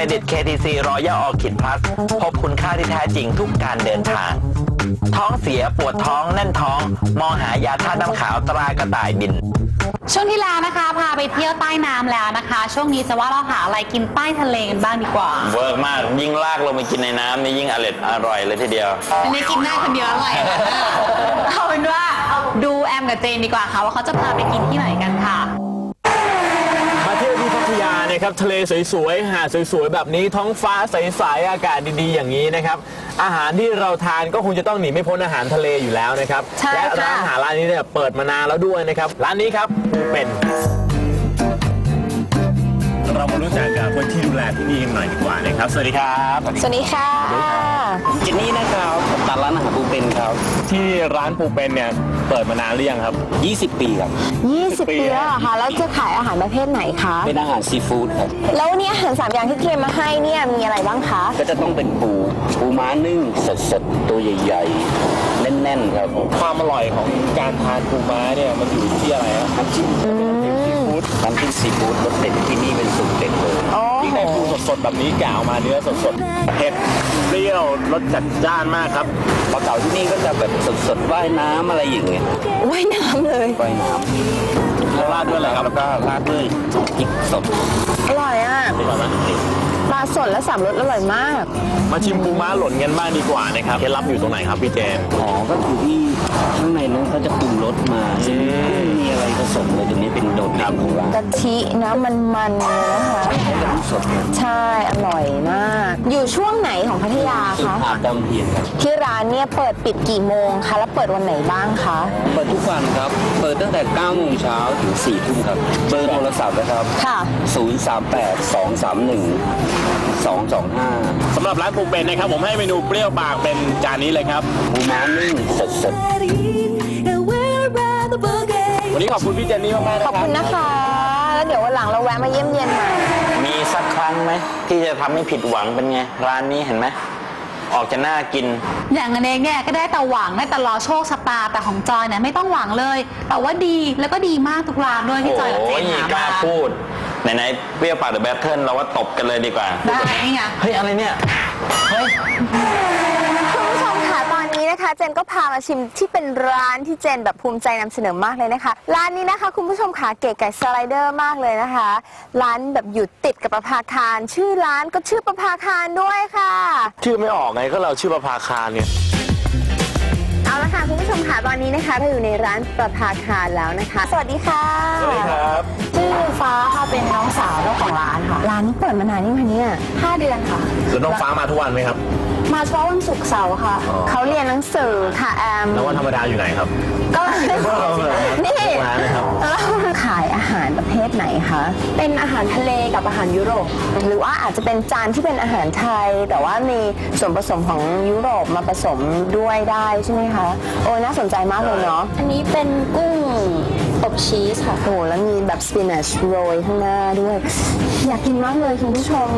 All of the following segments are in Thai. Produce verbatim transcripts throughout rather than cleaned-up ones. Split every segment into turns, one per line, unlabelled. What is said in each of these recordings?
รดิต เค ที ซี Royal Orchid Plus พบคุณค่าที่แท้จริงทุกการเดินทางท้องเสียปวดท้องแน่นท้องมองหายาธาตุน้ำขาวตรากระต่ายบิน
ช่วงที่แล้วนะคะพาไปเที่ยวใต้น้ำแล้วนะคะช่วงนี้จะว่าเราหาอะไรกินใต้ทะเลกันบ้างดีกว่า
เวิร์กมากยิ่งลากลงไปกินในน้ำนี่ยิ่งอร่อยอร่อยเลยทีเดียว
อันนี้กินได้คนเดียวอร่อยเอาเป็นว่าดูแอมกับเจนดีกว่าค่ะว่าเขาจะพาไปกินที่ไหนกันค่ะ
มาเที่ยวที่พัทยานะครับทะเลสวยๆหาดสวยๆแบบนี้ท้องฟ้าใสๆอากาศดีๆอย่างนี้นะครับอาหารที่เราทานก็คงจะต้องหนีไม่พ้นอาหารทะเลอยู่แล้วนะครับและร้านอาหารร้านนี้เนี่ยเปิดมานานแล้วด้วยนะครับร้านนี้ครับเป็นเรามารู้จักกับคนที่ดูแลที่นี่กันหน่อยดีกว่านะครับสวัสดีครับ
สวัสดีค่ะ
จินนี่นะครับ
ตามร้านอาหารปูเป็นครับ
ที่ร้านปูเป็นเนี่ยเปิดมานานหรือยังครับ
ยี่สิบปีครับ
ยี่สิบปีแล้วเหรอคะแล้วจะขายอาหารประเภทไหนคะ
เป็นอาหารซีฟู้ดครับ
แล้ววันนี้อาหารสามอย่างที่เตรียมมาให้เนี่ยมีอะไรบ้างคะ
ก็จะต้องเป็นปูปูม้านึ่งสดๆตัวใหญ่ๆแน่นๆครับ
ความอร่อยของการทานปูม้าเนี่ยมันอยู่ที่อะไรครับ
น้ำจิ้มซีฟู้ดน้ำจิ้มซีฟู้ดรสเด็ดที่นี่เป็นสูตรเด็ดเลย
ยิ่งได้ปูสดๆแบบนี้กล่าวมาเนื้อสดๆเผ็ดเปรี้ยวรสจัดจ้านมากครับ
ปลาเก๋าที่นี่ก็จะแบบสดๆว่ายน้ำอะไรอย่างเงี้ย
ว่ายน้ำเลย
ว่ายน้
ำแล้วราดด้วยอะไรครับ
แล้วก็ราดด้วยพริกสด
อร่อยอ่ะปลาสดและสามรสอร่อยมาก
มาชิมปูม้าหล่นกันบ้างดีกว่านะครับเคล็ดลับอยู่ตรงไหนครับพี่เจน
อ๋อก็คือที่ข้างในนั้นเขาจะปรุงรสมามีอะไรผสมเลยตรงนี้เป็นโดดเด่นของร้าน
กะทินะมันๆเลยนะคะใช่อร่อยมากอยู่ช่วงไหนของพัทยาคะ
อาบดำเทียนครับ
ที่ร้านเนี่ยเปิดปิดกี่โมงคะแล้วเปิดวันไหนบ้างคะ
เปิดทุกวันครับเปิดตั้งแต่เก้าโมงเช้าถึงสี่ทุ่มครับเบอร์โทรศัพท์นะครับ
ค่ะ
ศูนย์ สาม แปด สอง สาม หนึ่ง สอง สอง ห้า
สำหรับร้านปูเป็นนะครับผมให้เมนูเปรี้ยวปากเป็นจานนี้เลยครับ
ปูม้านึ่งสดๆ
วันนี้ขอบคุณพี่เจนนี่มากๆนะครับ
ขอบคุณนะคะแล้วเดี๋ยววันหลังเราแวะมาเยี่ยมเยียนใหม่
มีสักครั้งไหมที่จะทำให้ผิดหวังเป็นไงร้านนี้เห็นไหมออกจะน่ากิน
อย่างอันเองเนี่ยก็ได้แต่หวังได้แต่รอโชคชะตาแต่ของจอยเนี่ยไม่ต้องหวังเลยแต่ว่าดีแล้วก็ดีมากทุกร้านด้วยที่จอยกับเจนหามา
พูดไหนๆเปรี้ยวปากเดอะแบทเทิลเราว่าตบกันเลยดีกว่า
ได้นี่ไง
เฮ้ยอะไรเนี่ยเฮ้ย
คุณผู้ชมค่ะตอนนี้นะคะเจนก็พามาชิมที่เป็นร้านที่เจนแบบภูมิใจนำเสนอมากเลยนะคะร้านนี้นะคะคุณผู้ชมค่ะเก๋ไก่สไลเดอร์มากเลยนะคะร้านแบบอยู่ติดกับประภาคารชื่อร้านก็ชื่อประภาคารด้วยค่ะ
ชื่อไม่ออกไงก็เราชื่อประภาคารเนี่ย
เอาละค่ะคุณผู้ชมค่ะตอนนี้นะคะเราอยู่ในร้านประภาคารแล้วนะคะสวัสดีค่ะ
สวัสดีครับ
ชื่อฟ้าค่ะเป็นน้องสาวเจ้าของร้านค่ะร้านนี้เปิดมานานยังคะเนี่ยห้าเดือนค่ะ
แล้วน้องฟ้ามาทุกวันไหมครับ
มาเฉพาะวันศุกร์เสาร์ค่ะเขาเรียนหนังสือค่ะแอม
แล้ววันธรรมดาอยู่ไหนครับ
ก็นี่ขายอาหารประเภทไหนคะเป็นอาหารทะเลกับอาหารยุโรปหรือว่าอาจจะเป็นจานที่เป็นอาหารไทยแต่ว่ามีส่วนผสมของยุโรปมาผสมด้วยได้ใช่ไหมคะโอ้น่าสนใจมากเลยเนาะอันนี้เป็นกุ้งอบชีสค่ะโอ้แล้วมีแบบสปินัชโรยข้างหน้าด้วยอยากกินมากเลยคุณผู้ชม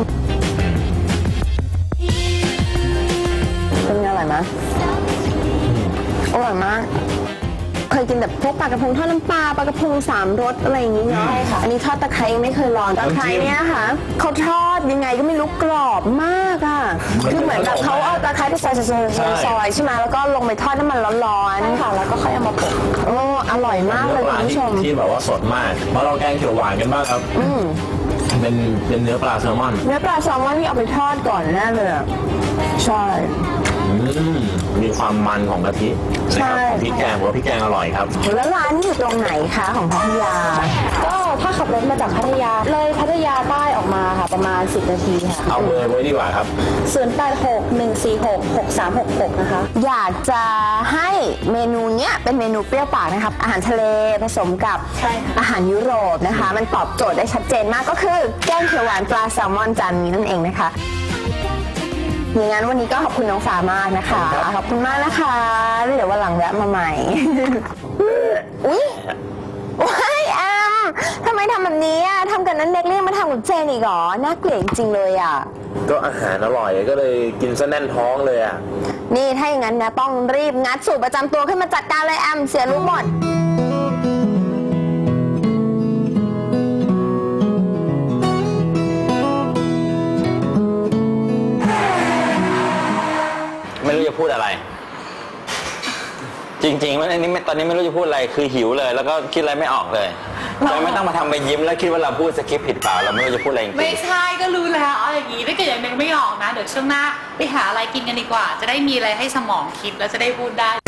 เป็นไงอร่อยไหมอร่อยมากเคยกินแบบพวกปลากระพงทอดน้ำปลาปลากระพงสามรสอะไรอย่างนี้เนาะอันนี้ทอดตะไคร้ไม่เคยลองตะไคร้เนี่ยค่ะเขาทอดยังไงก็ไม่รู้กรอบมากอ่ะคือเหมือนแบบเขาเอาตะไคร้ไปซอยซอยใช่ไหมแล้วก็ลงไปทอดน้ำมันร้อนๆค่ะแล้วก็ค่อยเอามาโปะโอ้อร่อยมากเลยคุณผู้ชม
ที่แบบว่าสดมากมาลองแกงเขียวหวานกันบ้างครับอืมเป็นเป็นเนื้อปลาแซลมอน
เนื้อปลาแซลมอนที่เอาไปทอดก่อนแน่เลยใช่
มีความมันของกะทินะครับพริกแกงผมว่าพริกแกงอร่อยครับ
แล้วร้านนี้อยู่ตรงไหนคะของพัทยาก็ถ้าขับรถมาจากพัทยาเลยพัทยาใต้ออกมาค่ะประมาณสิบนาทีค่ะ
เอาเบอร์ไว้ดีกว่าครับ
ศูนย์ แปด หก หนึ่ง สี่ หก หก สาม หก หกนะคะอยากจะให้เมนูเนี้ยเป็นเมนูเปรี้ยวปากนะครับอาหารทะเลผสมกับอาหารยุโรปนะคะมันตอบโจทย์ได้ชัดเจนมากก็คือแกงเขียวหวานปลาแซลมอนจานนี้นั่นเองนะคะอย่างนั้นวันนี้ก็ขอบคุณน้องฟ้ามากนะคะขอบคุณมากนะคะเดี๋ยววันหลังแวะมาใหม่อุ๊ยว้ายแอมทำไมทำแบบนี้อ่ะทำกันนั้นเน็กเรียกมาทำกับเจนอีกเหรอน่าเกลียดจริงเลยอ่ะ
ก็อาหารอร่อยก็เลยกินซะแน่นท้องเลยอ่ะ
นี่ถ้าอย่างนั้นนะต้องรีบงัดสูตรประจำตัวขึ้นมาจัดการเลยแอมเสียรู้หมด
ริงๆว่าอันนี้ไม่ตอนนี้ไม่รู้จะพูดอะไรคือหิวเลย แล้วก็คิดอะไรไม่ออกเลยเราไม่ต้องมาทำไปยิ้มแล้วคิดว่าเราพูดสคริปต์ผิดเปล่าเราไม่รู้จะพูดอะไรจริงๆ
ไม่ใช่ก็รู้แล้วเอาอย่างนี้ถ้าเกิดยังนึกไม่ออกนะเดี๋ยวช่วงหน้าไปหาอะไรกินกันดีกว่า จะได้มีอะไรให้สมองคิดแล้วจะได้พูดได้